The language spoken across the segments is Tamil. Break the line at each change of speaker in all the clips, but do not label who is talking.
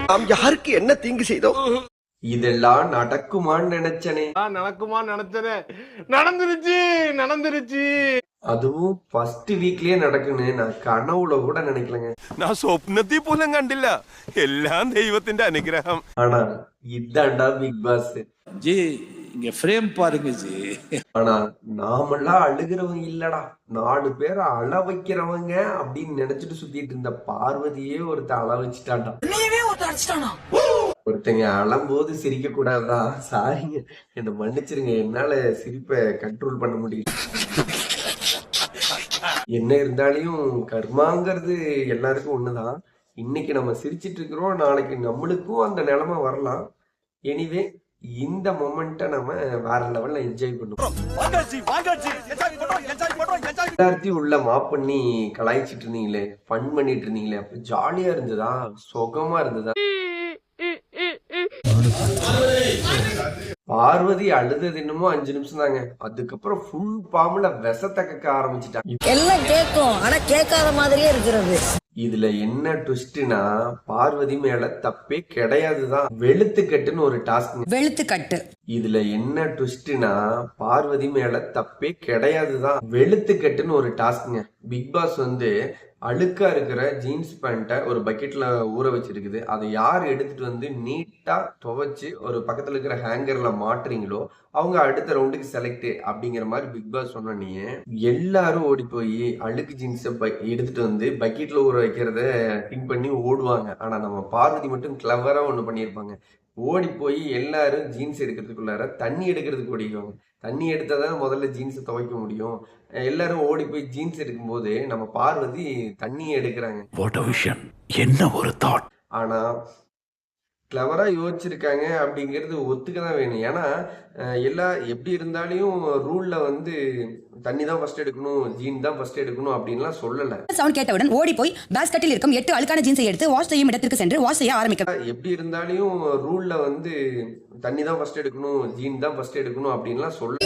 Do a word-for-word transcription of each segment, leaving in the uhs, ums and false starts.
நாம் யாருக்கு என்ன தீங்கு செய்தோம்?
இதெல்லாம் நடக்குமான்னு நினைச்சனே.
நடக்குமா நினைச்சனே நடந்துருச்சு நடந்துருச்சு.
அதுவும் ஃபர்ஸ்ட் வீக்லயே நடக்குன்னு நான் கனவுல கூட நினைக்கலங்க.
நான் சொப்னத்தை போலும் கண்டில்ல, எல்லாம் தெய்வத்தின் அனுகிரகம்.
ஆனா இதாண்டா பிக் பாஸ்
ஜி. இங்க ஃப்ரேம் பாருங்க ஜி.
ஆனா நாமெல்லாம் அழுகிறவங்க இல்லடா, நாலு பேரை அழ வைக்கிறவங்க அப்படின்னு நினைச்சிட்டு சுத்திட்டு இருந்த பார்வதியே ஒருத்த அழ வச்சுட்டான்டா. ஒருத்தங்க அழும்போது சிரிக்க கூடாதா? சாரிங்க, என்ன மன்னிச்சிருங்க, என்னால சிரிப்பை கண்ட்ரோல் பண்ண முடியல. என்ன இருந்தாலும் கர்மாங்கிறது எல்லாருக்கும் ஒண்ணுதான். இன்னைக்கு நம்ம சிரிச்சிட்டு இருக்கிறோம், நாளைக்கு நம்மளுக்கும் அந்த நிலைமை வரலாம். எனிவே இந்த மொமெண்ட்டை நம்ம வேற லெவல்ல என்ஜாய் பண்ணுவோம். எல்லாத்தையும் உள்ள மாப் பண்ணி கலாய்ச்சிட்டு இருந்தீங்களே, ஃபன் பண்ணிட்டு இருந்தீங்களே, அப்ப ஜாலியா இருந்ததா? சுகமா இருந்ததா? பார்வதி அழுதது என்னமோ அஞ்சு நிமிஷம் தாங்க, அதுக்கப்புறம் ஃபுல் பாம்புல விஷத்தை கக்க ஆரம்பிச்சுட்டாங்க.
எல்லாம் கேட்கும், ஆனா கேட்காத மாதிரியே இருக்கிறது.
இதுல என்ன ட்விஸ்ட்னா, பார்வதி மேல தப்பே கிடையாதுதான். வெளுத்துக்கட்டுன்னு ஒரு டாஸ்க்.
வெளுத்துக்கட்டு.
இதுல என்ன ட்விஸ்ட்னா, பார்வதி மேல தப்பே கிடையாதுதான். வெளுத்துக்கட்டுன்னு ஒரு டாஸ்க்ங்க. பிக் பாஸ் வந்து அழுக்கா இருக்கிற ஜீன்ஸ் பேண்ட்டை ஒரு பக்கெட்ல ஊற வச்சிருக்குது. அதை யார் எடுத்துட்டு வந்து நீட்டா துவைச்சு ஒரு பக்கத்துல இருக்கிற ஹேங்கர்ல மாட்டுறீங்களோ அவங்க அடுத்த ரவுண்டுக்கு செலக்ட் அப்படிங்கிற மாதிரி பிக் பாஸ் சொன்னே. எல்லாரும் ஓடி போய் அழுக்கு ஜீன்ஸை எடுத்துட்டு வந்து பக்கெட்ல ஊற வைக்கிறத திங்க் பண்ணி ஓடுவாங்க. ஆனா நம்ம பார்வதி மட்டும் கிளவரா ஒண்ணு பண்ணியிருப்பாங்க. ஓடி போய் எல்லாரும் ஜீன்ஸ் எடுக்கிறதுக்குள்ளார தண்ணி எடுக்கிறதுக்கு ஓடிக்குவாங்க. தண்ணி எடுத்தாதான் முதல்ல ஜீன்ஸை துவைக்க முடியும். எல்லாரும் ஓடி போய் ஜீன்ஸ் எடுக்கும்போது நம்ம பார்வதி தண்ணியை எடுக்கிறாங்க.
என்ன ஒரு தாட்.
ஆனா கிளவரா யோசிச்சிருக்காங்க அப்படிங்கிறது ஒத்துக்கதான் வேணும். ஏன்னா எல்லா எப்படி இருந்தாலும் ரூல்ல வந்து தண்ணி தான் ஃபர்ஸ்ட் எடுக்கணும், ஜீன் தான் ஃபர்ஸ்ட் எடுக்கணும் அப்படின்லாம் சொல்லல.
சவுண்ட் கேட்டவுடன் ஓடி போய் பாஸ்கெட்டில் இருக்கும் எட்டு அழுக்கான ஜீன்ஸை எடுத்து வாஷ் செய்யும் இடத்திற்கு சென்று வாஷ் செய்ய ஆரம்பிக்க. எப்படி
இருந்தாலும் ரூல்ல வந்து தண்ணி தான் ஃபர்ஸ்ட் எடுக்கணும், ஜீன் தான் ஃபர்ஸ்ட் எடுக்கணும் அப்படின்லாம் சொல்லல.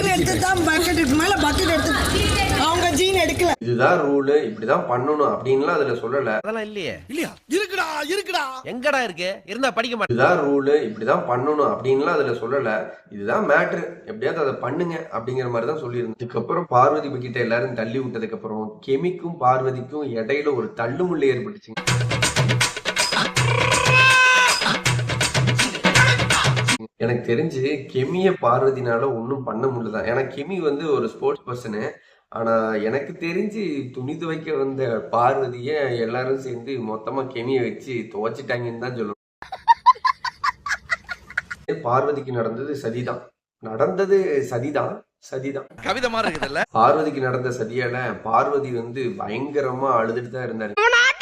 அவங்க ஜீன் எடுக்கல, இதுதான் ரூல், இப்படிதான் பண்ணணும் அப்படின்லாம் அதுல சொல்லல.
அதெல்லாம் இல்லையே. இல்லையா? இருக்குடா இருக்குடா. எங்கடா இருக்கு? இருந்தா படிக்க மாட்டேன்.
இதுதான் ரூல், இப்படிதான் பண்ணணும் அப்படின்லாம் அதுல சொல்லல. இதுதான் மேட்ரு, எப்படியாவது அதை பண்ணுங்க அப்படிங்கிற மாதிரி தான் சொல்லியிருந்தேன். இதுக்கப்புறம் பார்வதி கிட்ட எல்லாரும் தள்ளி விட்டதுக்கு அப்புறம் கெமிக்கும் பார்வதிக்கும் இடையில ஒரு தள்ளுமுள்ளு ஏற்பட்டுச்சு. எனக்கு தெரிஞ்சு கெமிய பார்வதினால ஒன்னும் பண்ண முடியலதான். ஏன்னா கெமி வந்து ஒரு ஸ்போர்ட்ஸ் பர்சனு. ஆனா எனக்கு தெரிஞ்சு துணி துவைக்க வந்த பார்வதிய எல்லாரும் சேர்ந்து மொத்தமா கெமிய வச்சு துவைச்சிட்டாங்கன்னு தான் சொல்லணும். பார்வதிக்கு நடந்தது சதிதான், நடந்தது சதிதான் சதிதான்
கவிதை மாதிரி இருக்குதுல்ல.
பார்வதிக்கு நடந்த சதியால பார்வதி வந்து பயங்கரமா அழுதுட்டு தான் இருந்தாரு.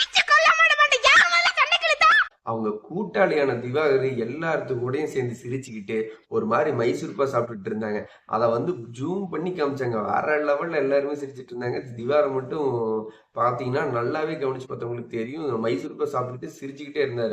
அவங்க கூட்டாளியான திவாகர் எல்லாத்து கூடயும் சேர்ந்து சிரிச்சுக்கிட்டு ஒரு மாதிரி மைசூர் பா சாப்பிட்டுட்டு இருந்தாங்க. அதை வந்து ஜூம் பண்ணி காமிச்சாங்க. வேற லெவல்ல எல்லாருமே சிரிச்சிட்டு இருந்தாங்க. திவாகர் மட்டும் பாத்தீங்கன்னா நல்லாவே கவனிச்சு பார்த்தவங்களுக்கு தெரியும், மைசூர் பா சாப்பிட்டுட்டு சிரிச்சுக்கிட்டே இருந்தாரு.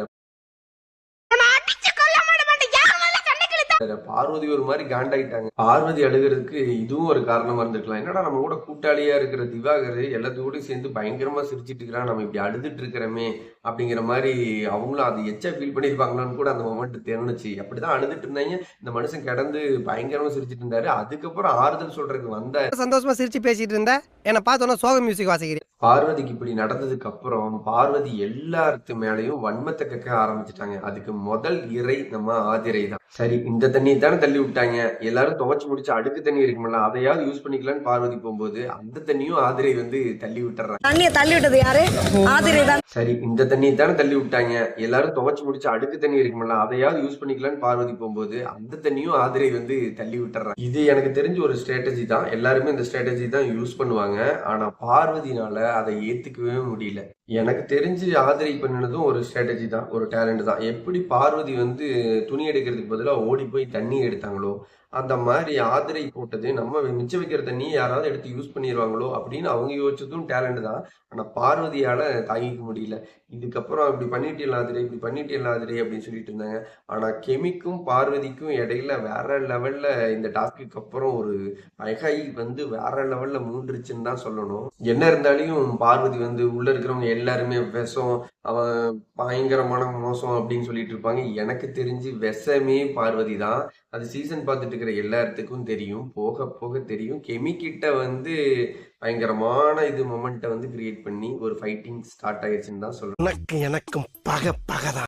பார்வதி ஒரு மாதிரி காண்டாயிட்டாங்க. பார்வதி அழுகிறதுக்கு இதுவும் ஒரு காரணமா இருந்திருக்கலாம். என்னடா நம்ம கூட கூட்டாளியா இருக்கிற திவாகர் எல்லாத்தோடய சேர்ந்து பயங்கரமா சிரிச்சிட்டு இருக்கிறான், நம்ம இப்படி அழுதுட்டு இருக்கிறோமே அப்படிங்கிற மாதிரி அவங்களும் அது எச்சா ஃபீல் பண்ணிருப்பாங்களான்னு கூட அந்த மொமெண்ட் தெரிஞ்சுச்சு. அப்படிதான் அழுதுட்டு இருந்தாங்க. இந்த மனுஷன் கிடந்து பயங்கரமா சிரிச்சிட்டு இருந்தாரு. அதுக்கப்புறம் ஆறுதல் சொல்றதுக்கு வந்த
சந்தோஷமா சிரிச்சு பேசிட்டு இருந்த என்ன பார்த்தோன்னா சோக மியூசிக் வாசிக்கிறேன்.
பார்வதிக்கு இப்படி நடந்ததுக்கு அப்புறம் பார்வதி எல்லாத்து மேலையும் வன்மத்தை கக்க ஆரம்பிச்சுட்டாங்க. அதுக்கு முதல் இறை நம்ம ஆதிரை தான். சரி, இந்த தண்ணி தானே தள்ளி விட்டாங்க, எல்லாரும் துவைச்சு முடிச்சு அடுக்கு தண்ணி இருக்குமில்ல, அதையாவது யூஸ் பண்ணிக்கலாம்னு பார்வதி போகும்போது அந்த தண்ணியும் ஆதிரை வந்து தள்ளி விட்டுறாங்க.
தண்ணியை தள்ளி விட்டது யாரு? ஆதிரை தான்.
சரி, இந்த தண்ணி தானே தள்ளி விட்டாங்க, எல்லாரும் துவைச்சு முடிச்சு அடுக்கு தண்ணி இருக்குமில்ல, அதையாவது யூஸ் பண்ணிக்கலாம்னு பார்வதி போகும்போது அந்த தண்ணியும் ஆதிரை வந்து தள்ளி விட்டுறாங்க. இது எனக்கு தெரிஞ்ச ஒரு ஸ்ட்ராட்டஜி தான். எல்லாருமே இந்த ஸ்ட்ராட்டஜி தான் யூஸ் பண்ணுவாங்க. ஆனா பார்வதினால அதை ஏத்துக்கவே முடியல. எனக்கு தெரிஞ்சு ஆதிரை பண்ணினதும் ஒரு ஸ்ட்ராட்டஜி தான், ஒரு டேலண்ட் தான். எப்படி பார்வதி வந்து துணி எடுக்கிறதுக்கு பதிலாக ஓடி போய் தண்ணி எடுத்தாங்களோ அந்த மாதிரி ஆதிரை போட்டது நம்ம மிச்சம் வைக்கிற தண்ணி யாராவது எடுத்து யூஸ் பண்ணிடுவாங்களோ அப்படின்னு அவங்க யோசிச்சதும் டேலண்ட் தான். ஆனா பார்வதியால தாங்கிக்க முடியல. இதுக்கப்புறம் இப்படி பண்ணிட்டே ஆதிரை இப்படி பண்ணிட்டே ஆதிரை அப்படின்னு சொல்லிட்டு இருந்தாங்க. ஆனா கெமிக்கும் பார்வதிக்கும் இடையில வேற லெவல்ல இந்த டாஸ்க்கு அப்புறம் ஒரு அழகை வந்து வேற லெவல்ல மூன்றுச்சுன்னு தான் சொல்லணும். என்ன இருந்தாலும் பார்வதி வந்து உள்ள இருக்கிறவங்க எல்லாருமே விஷம், அவன் பயங்கரமான மோசம் அப்படின்னு சொல்லிட்டு இருப்பாங்க. எனக்கு தெரிஞ்சு விஷமே பார்வதி தான். அது சீசன் பார்த்துட்டு இருக்கிற எல்லாத்துக்கும் தெரியும். போக போக தெரியும். கெமிக்கிட்ட வந்து பயங்கரமான இது மொமெண்ட்டை வந்து கிரியேட் பண்ணி ஒரு ஃபைட்டிங் ஸ்டார்ட் ஆயிடுச்சுன்னு தான் சொல்லணும்.
உனக்கு எனக்கும் பக பகதான்.